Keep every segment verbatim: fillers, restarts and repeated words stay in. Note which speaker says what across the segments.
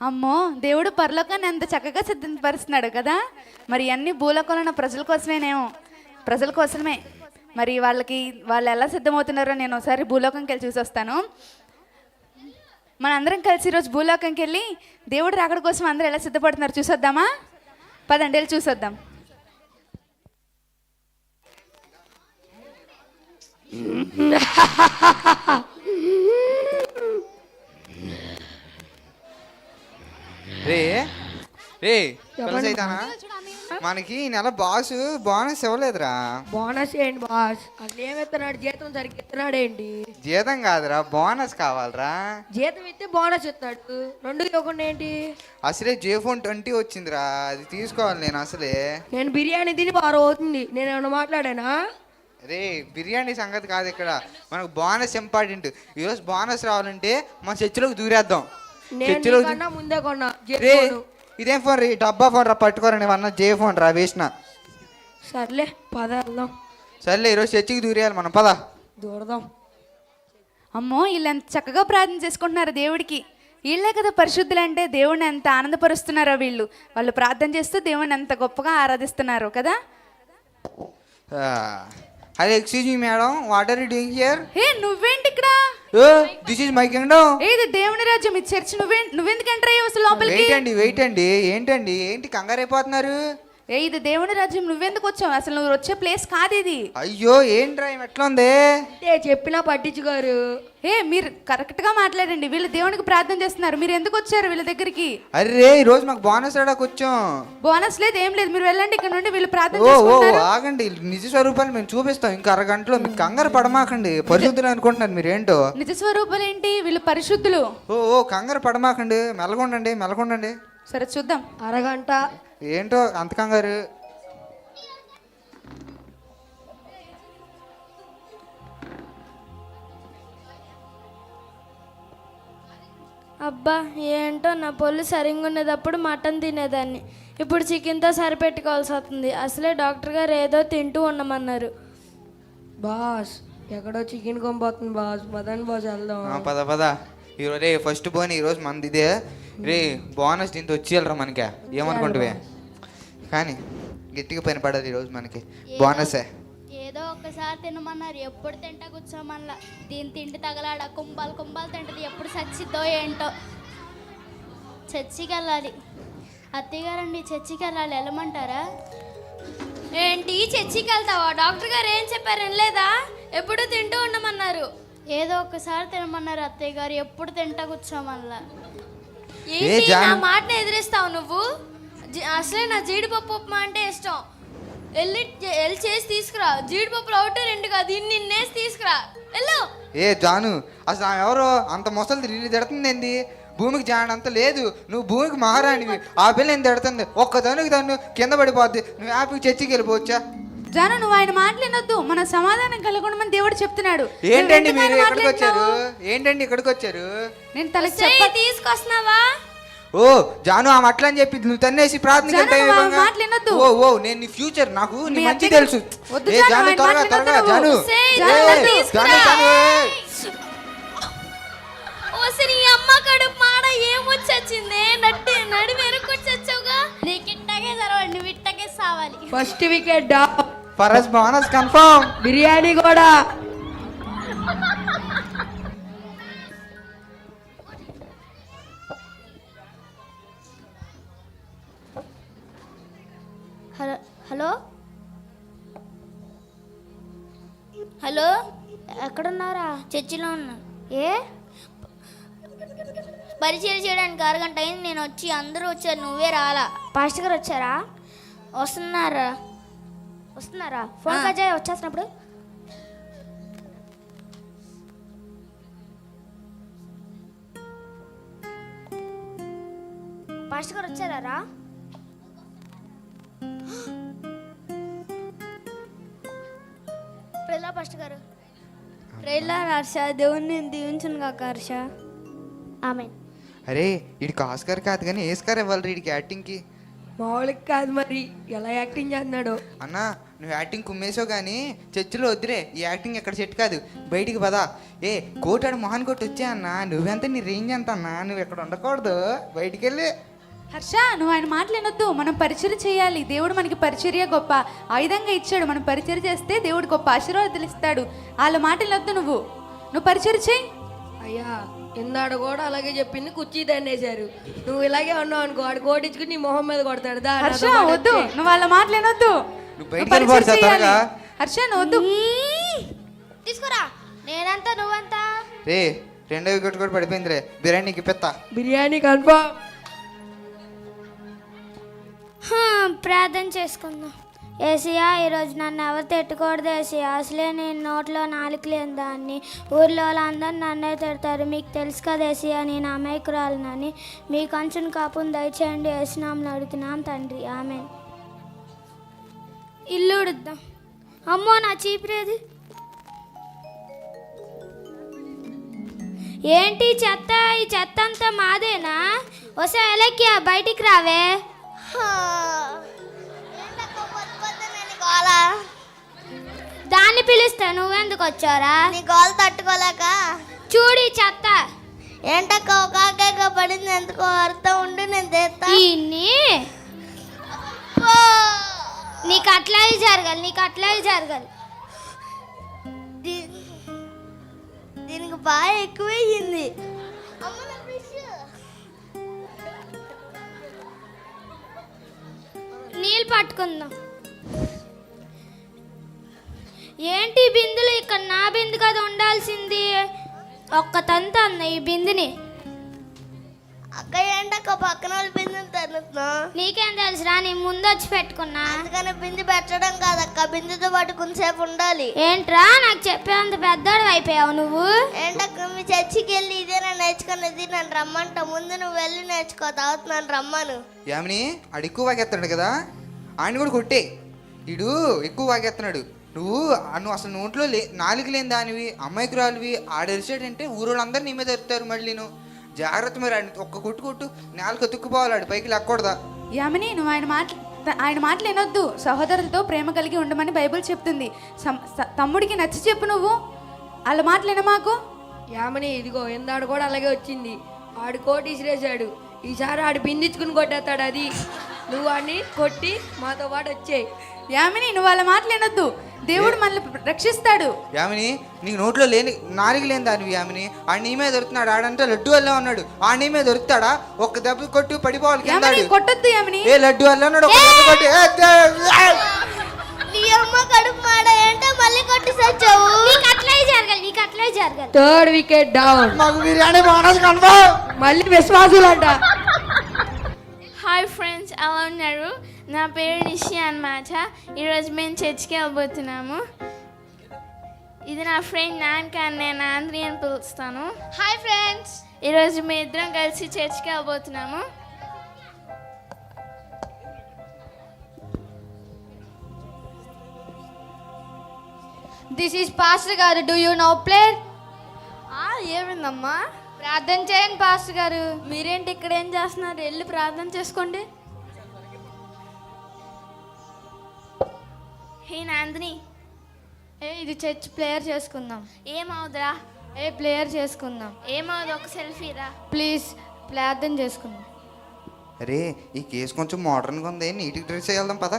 Speaker 1: అమ్మో, దేవుడు పరలోకాన్ని ఎంత చక్కగా సిద్ధపరుస్తున్నాడు కదా. మరి అన్ని భూలోకంలో ఉన్న ప్రజల కోసమేనేమో, ప్రజల కోసమే. మరి వాళ్ళకి వాళ్ళు ఎలా సిద్ధమవుతున్నారో నేను ఒకసారి భూలోకంకి వెళ్ళి చూసి వస్తాను. మన అందరం కలిసి ఈరోజు భూలోకంకి వెళ్ళి దేవుడు రాకడ కోసం అందరూ ఎలా సిద్ధపడుతున్నారు చూసొద్దామా? పదండి వెళ్ళి చూసొద్దాం.
Speaker 2: రే రే పిల్లసైతానా, మనకి ఈ నెల బాసు బోనస్ ఇవ్వలేదురా.
Speaker 3: బోనస్ ఏంటి బాస్? అసలు ఏమెత్తున్నాడు? జీతం సరిగ్గా ఇస్తున్నాడు ఏంటి?
Speaker 2: జీతం కాదురా, బోనస్ కావాలరా.
Speaker 3: జీతం ఇస్తే బోనస్ ఇస్తాడు, రెండు ఇవ్వకుండా ఏంటి?
Speaker 2: అసలే జే ఫోన్ ట్వంటీ వచ్చిందిరా, అది తీసుకోవాలి నేను. అసలే
Speaker 3: నేను బిర్యానీ తిని వారం అవుతుంది, నేను ఏమన్నా మాట్లాడానా?
Speaker 2: రే బిర్యానీ సంగతి కాదు ఇక్కడ, మనకు బోనస్ ఇంపార్టెంట్. ఈరోజు బోనస్ రావాలంటే మన చర్చిలోకి దూరేద్దాం.
Speaker 3: నేను కన్నా ముందే కొన్నా.
Speaker 2: రే ఇదేం ఫోన్ రీ, డబ్బా ఫోన్ రా, పట్టుకోరా. నేను అన్న జే ఫోన్ రా, వేసిన.
Speaker 3: సర్లే పద వెళ్దాం.
Speaker 2: సర్లే ఈరోజు చర్చికి దూరేయాలి మనం, పద
Speaker 3: దూరదాం.
Speaker 1: అమ్మో, వీళ్ళు ఎంత చక్కగా ప్రార్థన చేసుకుంటున్నారు దేవుడికి. వీళ్ళే కదా పరిశుద్ధులు అంటే. దేవుడిని ఎంత ఆనందపరుస్తున్నారో వీళ్ళు. వాళ్ళు ప్రార్థన చేస్తూ దేవుడిని ఎంత గొప్పగా ఆరాధిస్తున్నారు కదా.
Speaker 2: అదే excuse me madam, what are you doing here?
Speaker 1: ఏ నువ్వేంటి ఇక్కడ?
Speaker 2: This is my kingdom.
Speaker 1: ఏది దేవుని రాజ్యం, ఇది చర్చ్. నువ్వే నువ్వెందుకు ఎంటర్ అయ్యావు అసలు లోపలికి?
Speaker 2: వెయిట్ అండి వెయిట్ అండి ఏంటండి ఏంటి కంగారు అయిపోతున్నారు?
Speaker 1: ఏ ఇది దేవుని రాజ్యం, నువ్వెందుకు వచ్చావు? అసలు నువ్వు వచ్చే ప్లేస్ కాదు ఇది.
Speaker 2: అయ్యో ఏంట్రా ఎట్లా ఉంది?
Speaker 3: అంటే చెప్పినా పట్టించుకోరు.
Speaker 1: ఏ మీరు కరెక్ట్ గా మాట్లాడండి. వీళ్ళు దేవునికి ప్రార్థన చేస్తున్నారు, మీరు ఎందుకు వచ్చారు వీళ్ళ దగ్గరికి?
Speaker 2: అరే ఈ రోజు మాకు బోనస్ రాడానికి వచ్చాం.
Speaker 1: బోనస్ లేదు, ఏం లేదు. మీరు వెళ్ళండి ఇక్కడ నుండి. వీళ్ళు ప్రార్థన
Speaker 2: ఓ ఓ
Speaker 1: చేసుకుంటారు.
Speaker 2: ఆగండి, నిజ స్వరూపాన్ని మేము చూపిస్తాం ఇంకా అరగంటలో. మీకు కంగారు పడమాకండి, పరిశుద్ధులు అనుకుంటున్నారు మీరు. ఏంటో
Speaker 1: నిజ స్వరూపాలు ఏంటి? వీళ్ళు పరిశుద్ధులు.
Speaker 2: ఓ ఓ కంగారు పడమాకండి, మెలగొండండి మెలగొండండి.
Speaker 1: సరే చూద్దాం.
Speaker 3: అరగంట
Speaker 2: ఏంటో అంత కంగారు?
Speaker 4: అబ్బా ఏంటో, నా పొల్లు సరిగ్గా ఉండేటప్పుడు మటన్ తినేదాన్ని, ఇప్పుడు చికెన్తో సరిపెట్టుకోవాల్సి వస్తుంది. అసలే డాక్టర్ గారు ఏదో తింటూ ఉండమన్నారు.
Speaker 3: బాస్ ఎక్కడో చికెన్ కొంపోతుంది బాస్, పదండి బాస్ వెళ్దాం.
Speaker 2: పద పద. ఈరోజు రే ఫస్ట్ బోన్ ఈరోజు మనది ఇదే రే. బోనస్ దీంతో వచ్చేయాలరా మనకే, ఏమనుకుంటువే? కానీ గట్టిగా పని పడదు ఈరోజు మనకి బోనసే.
Speaker 5: ఏదో ఒకసారి తినమన్నారు, ఎప్పుడు తింటా కూర్చోమల్లా. దీని తిండి తగలాడ కుంభాలు కుంభాలు తింటది, ఎప్పుడు చచ్చిద్దో ఏంటో. చర్చికి వెళ్ళాలి. అత్తయ్య గారండి చర్చికి వెళ్ళాలి, వెళ్ళమంటారా?
Speaker 4: ఏంటి చర్చికి వెళ్తావా? డాక్టర్ గారు ఏం చెప్పారు వినలేదా? ఎప్పుడు తింటూ ఉండమన్నారు.
Speaker 5: ఏదో ఒకసారి తినమన్నారు అత్తయ్య గారు, ఎప్పుడు తింటా కూర్చోమల్లా.
Speaker 4: ఏంటి నా మాటను ఎదిరిస్తావు నువ్వు? అసలే నా జీడిపప్పు ఉప్మా అంటే ఇష్టం. వెళ్ళి వెళ్ళి చేసి తీసుకురా. జీడిపప్పులు ఒకటి రెండు కాదు, ఇన్ని ఇన్నేసి తీసుకురా వెళ్ళు.
Speaker 2: ఏ జాను, అసలు ఆమె ఎవరో అంత మొసలు తిరిగి తిడుతుంది ఏంది? భూమికి జానంత లేదు, నువ్వు భూమికి మహారాణివి. ఆ పిల్ల నేను తిడుతుంది, ఒక్క తనుకి తను కింద పడిపోద్ది. నువ్వు హ్యాపీకి చర్చికి వెళ్ళిపోవచ్చా?
Speaker 1: జాను, నువ్వు ఆయన మాట్లాడొద్దు. మన సమాధానం కలగొనమని దేవుడు చెప్తున్నాడు.
Speaker 2: ఏంటండి మీరు ఎక్కడికి వచ్చారు? ఏంటండి ఇక్కడికి వచ్చారు?
Speaker 1: నేను తలకి చెప్ప
Speaker 4: తీసుకొస్తున్నావా?
Speaker 2: ఓ జాను, ఆమె అట్లా అని చెప్పి నువ్వు తన్నేసి ప్రార్థనకి
Speaker 1: మాట్లాడొద్దు.
Speaker 2: ఓ ఓ నేను నీ ఫ్యూచర్, నాకు నీ మంచి తెలుసు. ఏ జాను త్వరగా త్వరగా జాను జాను
Speaker 4: నీ అమ్మ కడుపు మాడ ఏమొచ్చింది? నట్టి నడి వెనుకొచ్చొచ్చావుగా.
Speaker 5: నీకు ఇట్టగే జరగండి, నువ్వు ఇట్టగే సావాలి.
Speaker 3: First wicket
Speaker 2: first bonus confirm.
Speaker 3: Biryani కూడా.
Speaker 5: హలో హలో హలో ఎక్కడున్నారా? చర్చిలో ఉన్నా. ఏ పరిచయం చేయడానికి అరగంట అయింది, నేను వచ్చి అందరూ వచ్చారు, నువ్వే రాలా. పాస్టర్ గారు వచ్చారా? వస్తున్నారా వస్తున్నారా ఫోన్ కాజా వచ్చేసినప్పుడు. పాస్టర్ గారు వచ్చారా? ప్రేలా పాస్టర్ గారు.
Speaker 4: ప్రేలా హర్ష, దేవుణ్ణి దీవించును కాక హర్ష.
Speaker 5: ఆమెన్.
Speaker 2: అరే వీడికి ఆస్కార్ కాదు కానీ ఏస్కార్ ఇవ్వాలి వీడికి యాక్టింగ్కి.
Speaker 3: మామూలుగా కాదు మరి ఎలా యాక్టింగ్ చేస్తున్నాడు.
Speaker 2: అన్నా నువ్వు యాక్టింగ్ కుమ్మేసావు కానీ చర్చిలో వద్దురే, ఈ యాక్టింగ్ ఎక్కడ సెట్ కాదు, బయటికి పదా. ఏ కోటాడు మొహన్ కొట్టి వచ్చా అన్న, నువ్వెంత నీ రేంజ్ ఎంత అన్నా, నువ్వు ఎక్కడ ఉండకూడదు, బయటికి వెళ్ళి.
Speaker 1: హర్ష నువ్వు ఆయన మాటలేనొద్దు, మనం పరిచర్య చేయాలి. దేవుడు మనకి పరిచర్య గొప్ప ఆయుధంగా ఇచ్చాడు. మనం పరిచర్య చేస్తే దేవుడు గొప్ప ఆశీర్వాదాలు ఇస్తాడు. వాళ్ళ మాటలేనొద్దు, నువ్వు నువ్వు పరిచర్య చేయి.
Speaker 3: అయ్యా ఇందాడు కూడా అలాగే చెప్పింది, కుర్చీ దండేశారు. నువ్వు ఇలాగే ఉన్నావు అనుకో, ఆడు కోటించుకుని నీ మొహం మీద కొడతాడు. దా
Speaker 1: హర్ష
Speaker 3: నాతో పాటు
Speaker 1: వద్దు,
Speaker 3: వచ్చేయ్.
Speaker 1: నువ్వు వాళ్ళ మాటలేనొద్దు.
Speaker 2: నువ్వు బయటికి వెళ్ళిపోతా త్వరగా.
Speaker 1: హర్ష నువ్వు వద్దు.
Speaker 5: తీసుకురా. నేనంతా నువ్వంతా.
Speaker 2: రే రెండో వికెట్ కూడా పడిపోయింది రే, బిర్యానీకి పెత్తా.
Speaker 3: బిర్యానీ కన్ఫర్మ్.
Speaker 5: హా, ప్రార్థన చేసుకుందాం. ఏసియా, ఈరోజు నన్ను ఎవరు తిట్టకూడదు ఏసియా. అసలే నేను నోట్లో నాలుగు లేని దాన్ని. ఊర్లో వాళ్ళందరూ నన్నే తిడతారు. మీకు తెలుసు కదా ఏసియా, నేను అమాయకురాలనని. మీ కంచుని కాపుని దయచేయండి. ఏసునామని అడుగుతున్నాం తండ్రి, ఆమెన్. ఇల్లు ఉడుద్దాం. అమ్మో నా చీపురేది. ఏంటి చెత్త? ఈ చెత్త అంతా మాదేనా? వసే ఎలక్కియా, బయటికి రావే. దాన్ని పిలిస్తే నువ్వెందుకు వచ్చారా?
Speaker 6: నీ గోల్ తట్టుకోలేక.
Speaker 5: చూడి చెత్త.
Speaker 6: ఏంటక్క ఒక ఆకేక పడింది, ఎందుకో అర్థం ఉండి నేను తెస్తా.
Speaker 5: ఇన్ని నీకు అట్లాగే జరగాలి, నీకు అట్లాగే జరగాలి.
Speaker 6: దీ- దీనికి బాగా ఎక్కువయ్యింది.
Speaker 5: నీళ్ళు పట్టుకుందాం. ఏంటి ఈ బిందులు ఇక్కడ? నా బిందు కదా ఉండాల్సింది. ఒక్క తంత అన్న ఈ బిందుని.
Speaker 6: అక్క ఏంటక్క పక్కన వాళ్ళు బిందు తరుతున్నా?
Speaker 5: నీకేం తెలుసురా, నీ ముందు వచ్చి పెట్టుకున్నా.
Speaker 6: అందుకని బిందు పెట్టడం కాదక్క, బిందుతో పాటు కొంతసేపు ఉండాలి.
Speaker 5: ఏంట్రా నాకు చెప్పేంత పెద్దోడు అయిపోయావు నువ్వు.
Speaker 6: ఏంటక్క మీ చర్చికి వెళ్ళి ఇదేనా నేర్చుకునేది? నన్ను రమ్మంట. ముందు నువ్వు వెళ్ళి నేర్చుకో, తర్వాత నన్ను రమ్మను.
Speaker 2: యామిని ఆడు ఎక్కువ వాగేస్తున్నాడు కదా, ఆయన కూడా కొట్టే. వీడు ఎక్కువ వాగేస్తున్నాడు. నువ్వు నువ్వు అసలు నోట్లో లే నాలుగు లేని దానివి, అమ్మాయికురాలివి. ఆడరిచాడంటే ఊరోళ్ళందరూ నీ మీద ఎరుతారు. మళ్ళీ నువ్వు జాగ్రత్త మీరు ఆడిని ఒక్క కొట్టు కొట్టు నేలకు ఎత్తుక్కుపోవాలి, ఆడు పైకి లెక్కకూడదా.
Speaker 1: యామిని నువ్వు ఆయన మాట ఆయన మాటలు వినొద్దు. సహోదరులతో ప్రేమ కలిగి ఉండమని బైబిల్ చెప్తుంది. సం- స- తమ్ముడికి నచ్చి చెప్పు, నువ్వు వాళ్ళ మాటలు వినమాకు.
Speaker 3: యామని ఇదిగో ఇందాడు కూడా అలాగే వచ్చింది. ఆడు కోటి ఇసిరేసాడు. ఈసారి ఆడు బిందించుకుని కొట్టేస్తాడు. అది నువ్వు వాడిని కొట్టి మాతో పాటు వచ్చేయి.
Speaker 1: యామిని నువ్వు వాళ్ళ మాటలు వినొద్దు. దేవుడు మనల్ని రక్షిస్తాడు.
Speaker 2: యామిని నీకు నోట్లో లేని నాలుగు లేని దానివి. యామిని ఆడు నీ మీద దొరుకుతున్నాడు. ఆడంటే లడ్డు వల్ల ఉన్నాడు. ఆ నీ మీద దొరుకుతాడా? ఒక్క దెబ్బ కొట్టు పడిపోవాలి కింద.
Speaker 1: యామిని కొట్టొద్దు యామిని.
Speaker 2: ఏ లడ్డు వల్ల ఉన్నాడు, ఒక్క దెబ్బ కొట్టి. ఏ, ఏ, ఏ.
Speaker 6: నీ అమ్మ కడుపు మాడ ఏంటో మళ్ళీ కొట్టి సచ్చావు.
Speaker 5: నీకు అట్లే జరగాలి, నీకు అట్లే జరగాలి.
Speaker 3: Third wicket down.
Speaker 2: మాకు బిర్యానీ బోనస్ కన్ఫర్మ్.
Speaker 3: మళ్ళీ విశ్వాసులు అంట.
Speaker 4: హాయ్ ఫ్రెండ్స్, ఎలా ఉన్నారు? నా పేరు నిషి అన్నమాట. ఈరోజు మేము చర్చికి వెళ్ళబోతున్నాము. ఇది నా ఫ్రెండ్ నాన్క, నేను ఆంధ్రీ అని పిలుస్తాను.
Speaker 5: Hi friends.
Speaker 4: ఈరోజు మేము ఇద్దరం కలిసి చర్చికి వెళ్ళబోతున్నాము.
Speaker 5: దిస్ ఈస్ పాస్టర్ గారు. Do you know player?
Speaker 4: ఏమైందమ్మా?
Speaker 5: ప్రార్థన చేయండి పాస్టర్ గారు.
Speaker 4: మీరేంటి ఇక్కడ ఏం చేస్తున్నారు? వెళ్ళి ప్రార్థన చేసుకోండి. హే నాందిని,
Speaker 5: ఏ ఇది చర్చ్ ప్లేయర్ చేసుకుందాం.
Speaker 4: ఏమవుదురా?
Speaker 5: ఏ ప్లేయర్ చేసుకుందాం
Speaker 4: ఏమవుదు? ఒక సెల్ఫీ రా
Speaker 5: ప్లీజ్. ప్రార్థన చేసుకుందాం.
Speaker 2: అరే ఈ కేసు కొంచెం మోడర్న్గా ఉంది, నీట్గా డ్రెస్ చేయాలి పద.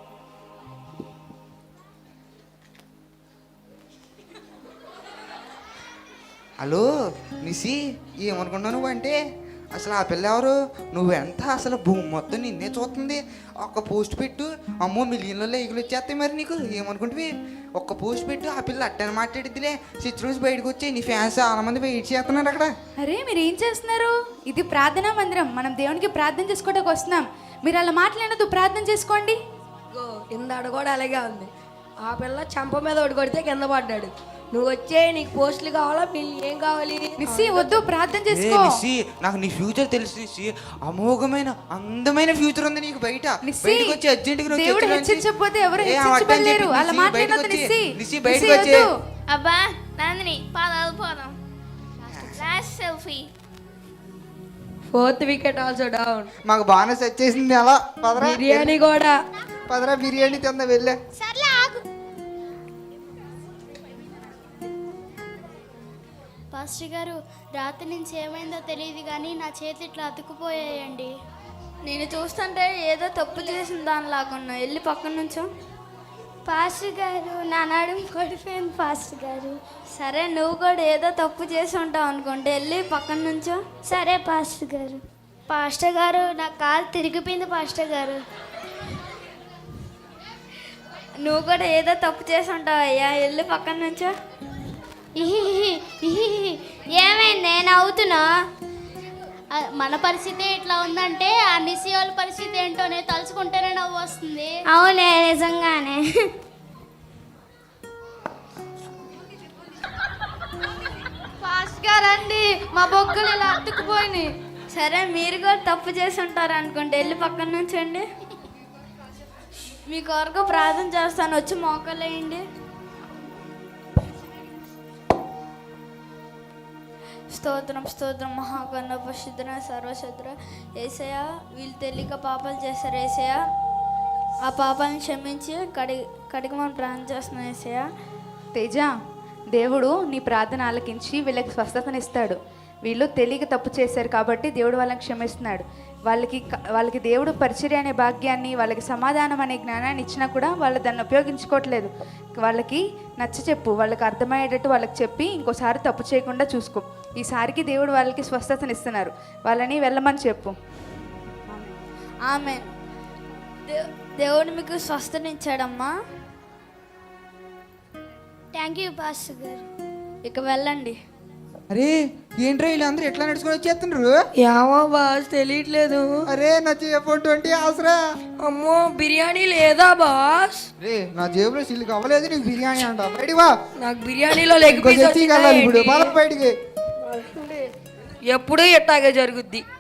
Speaker 2: హలో నిసి, ఏమనుకున్నావు నువ్వు అంటే? అసలు ఆ పిల్ల ఎవరు? నువ్వెంత అసలు భూమి మొత్తం నిన్నే చూస్తుంది. ఒక్క పోస్ట్ పెట్టు, అమ్మో మిలియన్లలో ఎగులు వచ్చేస్తాయి. మరి నీకు ఏమనుకుంటువి? ఒక్క పోస్ట్ పెట్టు, ఆ పిల్ల అట్టని మాట్లాడిద్దిలే. సిచ్ రోజు బయటకు వచ్చి నీ ఫ్యాన్స్ చాలా మంది వెయిట్ చేస్తున్నారు అక్కడ.
Speaker 1: అరే మీరు ఏం చేస్తున్నారు? ఇది ప్రార్థనా మందిరం. మనం దేవునికి ప్రార్థన చేసుకోవడానికి వస్తున్నాం. మీరు అలా మాట్లాడదు, ప్రార్థన చేసుకోండి.
Speaker 3: ఇదిగో ఇందాడు కూడా అలాగే ఉంది. ఆ పిల్ల చంప మీద ఒకటి కొడితే కింద పడ్డాడు. నువ్వు వచ్చే, నీకు పోస్టులు కావాలా? మీకు ఏం కావాలి?
Speaker 1: నిస్సి వద్దు, ప్రార్థన
Speaker 2: ఏ
Speaker 1: చేసుకో.
Speaker 2: నిస్సి, నాకు నీ ఫ్యూచర్ తెలుసు నిస్సి. అమోఘమైన అందమైన ఫ్యూచర్ ఉంది నీకు బయట.
Speaker 1: నిస్సి,
Speaker 2: బయటకు వచ్చి అర్జెంటుగా
Speaker 1: దేవుడు హెచ్చరించకపోతే ఎవరు హెచ్చరించబడలేరు. అలా మాట్లాడొద్దు నిస్సి.
Speaker 2: నిస్సి
Speaker 1: నిస్సి
Speaker 2: బయటకు వచ్చి.
Speaker 1: వద్దు.
Speaker 4: అబ్బా నందిని, పాదాలు పోదాం. Last selfie.
Speaker 3: Fourth wicket also down.
Speaker 2: మాకు బాగానే సెట్ చేసింది అలా పదరా
Speaker 3: బిర్యానీ కూడా.
Speaker 2: పదరా బిర్యానీ తిందా వెళ్ళే.
Speaker 5: సర్లే ఆగు. పాస్టర్ గారు రాత్రి నుంచి ఏమైందో తెలియదు కానీ నా చేతి ఇట్లా అతుక్కుపోయాయండి.
Speaker 4: నేను చూస్తుంటే ఏదో తప్పు చేసిన దాని లాగున్నా, వెళ్ళి పక్కన నుంచో.
Speaker 5: పాస్టర్ గారు నా నడుము పడిపోయింది పాస్టర్ గారు.
Speaker 4: సరే, నువ్వు కూడా ఏదో తప్పు చేసి ఉంటావు అనుకుంటే వెళ్ళి పక్కన నుంచో.
Speaker 5: సరే పాస్టర్ గారు. పాస్టర్ గారు నా కాలు తిరిగిపోయింది పాస్టర్ గారు.
Speaker 4: నువ్వు కూడా ఏదో తప్పు చేసి ఉంటావు అయ్యా, వెళ్ళి పక్కన నుంచో.
Speaker 5: ఇహిహి, ఇహిహి. ఏమైంది నేను అవుతున్నా? ఆ, మన పరిస్థితి ఇట్లా ఉందంటే ఆ నిసి వాళ్ళ పరిస్థితి ఏంటో నేను తలుచుకుంటేనే నవ్వు వస్తుంది.
Speaker 4: అవునే, నిజంగానే.
Speaker 1: ఫాస్ట్ గా రండి, మా బొగ్గులు ఇలా అతుక్కుపోయినాయి.
Speaker 4: సరే, మీరు కూడా తప్పు చేసి ఉంటారు అనుకుంటే వెళ్ళి పక్కన నుంచండి. మీ కొరకు ప్రార్థన చేస్తాను, వచ్చి మోకలేయండి. స్తోత్రం స్తోత్రం మహాగణ పరిశుద్ధన సర్వశుద్ర ఏసయ్య, వీళ్ళు తెలియక పాపాలు చేశారు ఏసయ్య, ఆ పాపాలను క్షమించి కడిగి కడిగమని ప్రార్థన చేస్తున్నాను ఏసయ్య.
Speaker 1: తేజ, దేవుడు నీ ప్రార్థన ఆలకించి వీళ్ళకి స్వస్థతనిస్తాడు. వీళ్ళు తెలియక తప్పు చేశారు కాబట్టి దేవుడు వాళ్ళని క్షమిస్తున్నాడు. వాళ్ళకి వాళ్ళకి దేవుడు పరిచర్య అనే భాగ్యాన్ని, వాళ్ళకి సమాధానం అనే జ్ఞానాన్ని ఇచ్చినా కూడా వాళ్ళు దాన్ని ఉపయోగించుకోవట్లేదు. వాళ్ళకి నచ్చ చెప్పు, వాళ్ళకి అర్థమయ్యేటట్టు వాళ్ళకి చెప్పి ఇంకోసారి తప్పు చేయకుండా చూసుకో. ఈసారికి దేవుడు వాళ్ళకి స్వస్థతనిస్తున్నారు, వాళ్ళని వెళ్ళమని చెప్పు.
Speaker 4: ఆమె దేవుడు మీకు స్వస్థనిచ్చాడమ్మా.
Speaker 5: థ్యాంక్ యూ పాస్టర్ గారు.
Speaker 4: ఇక వెళ్ళండి.
Speaker 2: అరే ఏంట్రా వీళ్ళందరూ ఎట్లా నడుచుకొని వచ్చేస్తున్నారు?
Speaker 3: ఏమో బాస్ తెలియట్లేదు.
Speaker 2: అరే నా జేబు ట్వంటీ ఆసరా.
Speaker 3: అమ్మో బిర్యానీ లేదా బాస్?
Speaker 2: రే నా జేబులో సిల్లు అవ్వలేదు, నీకు బిర్యానీ అంట. బయటికి వా,
Speaker 3: నాకు బిర్యానీలో లెగ్ పీస్
Speaker 2: ఇప్పుడు పద బయటికి.
Speaker 3: ఎప్పుడు ఎట్టాగే జరుగుద్ది.